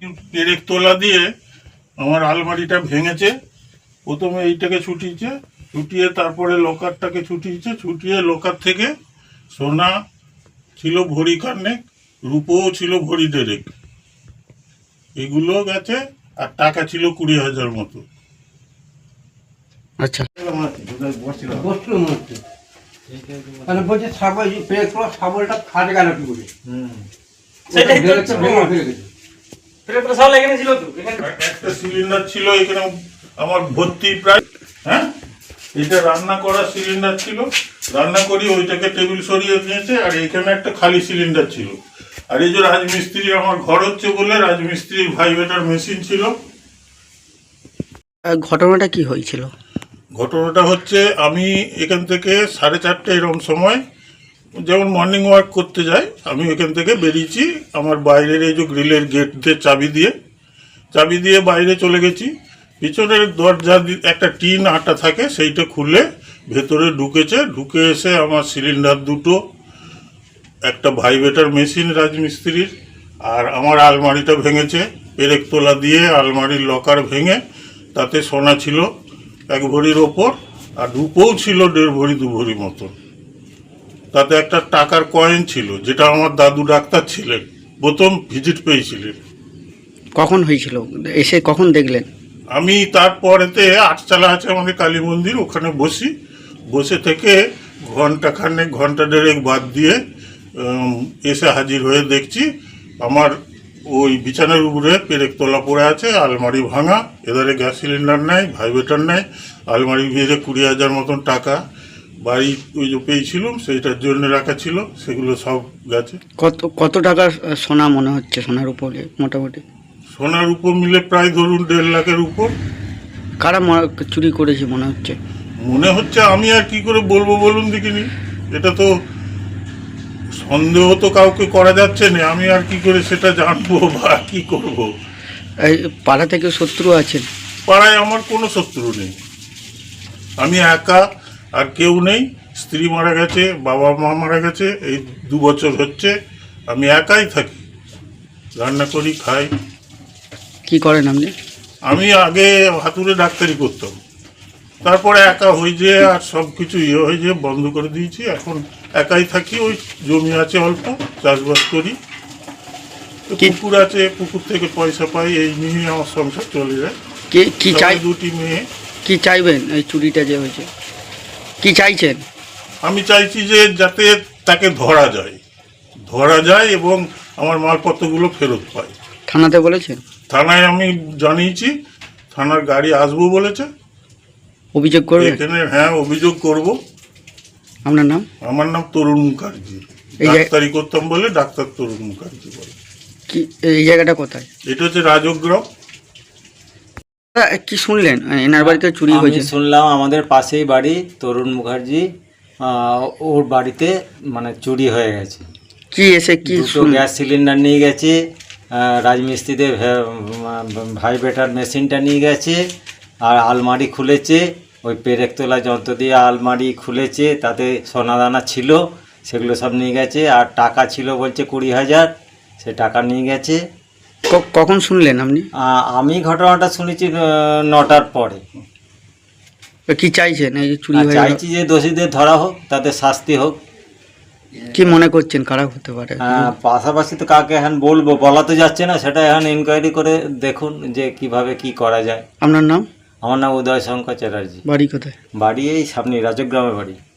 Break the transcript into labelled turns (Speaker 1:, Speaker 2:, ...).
Speaker 1: পেরেক তোলা দিয়ে আমার আলমারিটা ভেঙেছে। প্রথমে এইটাকে ছুটিয়েছে, ছুটিয়ে তারপরে লকারটাকে ছুটিয়েছে, ছুটিয়ে লকার থেকে সোনা ছিল ভরি খানেক, রূপোও ছিল ভরি দেড়েক, এগুলো গেছে। আর টাকা ছিল 20,000 মতো।
Speaker 2: আচ্ছা,
Speaker 3: মানে বলছে ছাগল পেরেক তোলা ছাগলটা খাটে গেল কি করে?
Speaker 1: একটা সিলিন্ডার ছিল এখানে আমার ভর্তি প্রায়। হ্যাঁ, এটা রান্না করার সিলিন্ডার ছিল, রান্না করি ওইটাকে টেবিল সরিয়ে নিয়েছে। আর এখানে একটা খালি সিলিন্ডার ছিল। আর এই যে রাজমিস্ত্রি, আমার ঘর হচ্ছে বলে রাজমিস্ত্রির ভাইব্রেটর মেশিন ছিল।
Speaker 2: ঘটনাটা কি হয়েছিল?
Speaker 1: ঘটনাটা হচ্ছে, আমি এখান থেকে 4:30 এরকম সময় যেমন মর্নিং ওয়াক করতে যাই, আমি এখান থেকে বেরিয়েছি। আমার বাইরের এই যে গ্রিলের গেট দিয়ে চাবি দিয়ে বাইরে চলে গেছি। পিছনের দরজা একটা টিন আটা থাকে, সেইটা খুলে ভেতরে ঢুকে এসে আমার সিলিন্ডার দুটো, একটা ভাইব্রেটর মেশিন রাজমিস্ত্রির, আর আমার আলমারিটা ভেঙেছে। পেরেক তোলা দিয়ে আলমারির লকার ভেঙে তাতে সোনা ছিল 1 ভরির ওপর, আর রূপোও ছিল 1.5 ভরি 2 ভরি মতো। তাতে একটা টাকার কয়েন ছিল, যেটা আমার দাদু ডাক্তার ছিলেন, প্রথম ভিজিট পেয়েছিলেন।
Speaker 2: কখন হয়েছিল? এসে কখন দেখলেন?
Speaker 1: আমি তারপরেতে 8চালা আছে আমাদের কালী মন্দির, ওখানে বসে থেকে ঘন্টা দেড়েক বাদ দিয়ে এসে হাজির হয়ে দেখছি আমার ওই বিছানার উপরে পেরেক তোলা পড়ে আছে, আলমারি ভাঙা, এধারে গ্যাস সিলিন্ডার নেই, ভাইব্রেটর নেই, আলমারি ভিড়ে 20,000 মতন টাকা বাড়ি ওই যে পেয়েছিলাম সেইটার জন্য রাখা ছিল, সেগুলো সব গেছে।
Speaker 2: কত টাকার সোনা মনে হচ্ছে? সোনার উপরে মোটামুটি
Speaker 1: সোনার উপর মিলে প্রায় ধরুন 1.5 লাখের উপর।
Speaker 2: কারা চুরি করেছে মনে হচ্ছে?
Speaker 1: আমি আর কি করে বলবো বলুন দেখিনি, এটা তো সন্দেহ তো কাউকে করা যাচ্ছে না, আমি আর কি করে সেটা জানবো বা কি করব।
Speaker 2: এই পাড়া থেকে শত্রু আছেন?
Speaker 1: পাড়ায় আমার কোনো শত্রু নেই, আমি একা, আর কেউ নেই। স্ত্রী মারা গেছে, বাবা মা মারা গেছে, এই 2 বছর হচ্ছে। আমি একাই থাকি, রান্না করি, খাই।
Speaker 2: কি করেন আপনি?
Speaker 1: আমি আগে হাতুড়ে ডাক্তারি করতাম, তারপরে একা হয়ে যেয়ে আর সব কিছু হয়ে যেয়ে বন্ধ করে দিয়েছি। এখন একাই থাকি, ওই জমি আছে অল্প, চাষবাস করি, পুকুর আছে, পুকুর থেকে পয়সা পাই, এই নিয়ে আমার সংসার চলে যায়।
Speaker 2: কি চাই?
Speaker 1: 2টি মেয়ে।
Speaker 2: কি চাইবেন? এই চুরিটা যে হয়েছে কি চাইছেন?
Speaker 1: আমি চাইছি যে যাতে তাকে ধরা যায় এবং আমার মালপত্রগুলো ফেরত পাই।
Speaker 2: থানাতে বলেছেন?
Speaker 1: থানায় আমি জানিয়েছি, থানার গাড়ি আসবো বলেছে।
Speaker 2: অভিযোগ করবেন?
Speaker 1: এখানে হ্যাঁ, অভিযোগ করব।
Speaker 2: আপনার নাম?
Speaker 1: আমার নাম তরুণ মুখার্জি, ডাক্তারি করতাম বলে ডাক্তার তরুণ মুখার্জি বলে।
Speaker 2: কি এই জায়গাটা কোথায়?
Speaker 1: এটা হচ্ছে রাজগ্রাম।
Speaker 2: কি শুনলেন এনার বাড়িতে চুরি হয়েছে?
Speaker 4: শুনলাম আমাদের পাশেই বাড়ি, তরুণ মুখার্জি, ওর বাড়িতে মানে চুরি হয়ে গেছে।
Speaker 2: কি এসে কি
Speaker 4: গ্যাস সিলিন্ডার নিয়ে গেছে, রাজমিস্ত্রিদের ভাইব্রেটর মেশিনটা নিয়ে গেছে, আর আলমারি খুলেছে, ওই পেরেক তোলা যন্ত্র দিয়ে আলমারি খুলেছে, তাতে সোনাদানা ছিল, সেগুলো সব নিয়ে গেছে। আর টাকা ছিল বলছে 20,000, সে টাকা নিয়ে গেছে।
Speaker 2: কখন শুনলেন আপনি?
Speaker 4: আমি ঘটনাটা শুনেছি 9টার পরে।
Speaker 2: কি চাইছেন? এই যে চুরি হয়ে
Speaker 4: চাইছি যে দোষীদের ধরা হোক, তাদের শাস্তি হোক।
Speaker 2: কি মনে করছেন কারা হতে পারে?
Speaker 4: পাশাপাশি তো কাকে এখন বলবো, বলা তো যাচ্ছে না, সেটা এখন ইনকোয়ারি করে দেখুন যে কিভাবে কি করা যায়।
Speaker 2: আপনার নাম?
Speaker 4: আমার নাম উদয় শঙ্কর চ্যাটার্জি।
Speaker 2: বাড়ি কোথায়?
Speaker 4: বাড়ি এই সামনে রাজগ্রামে বাড়ি।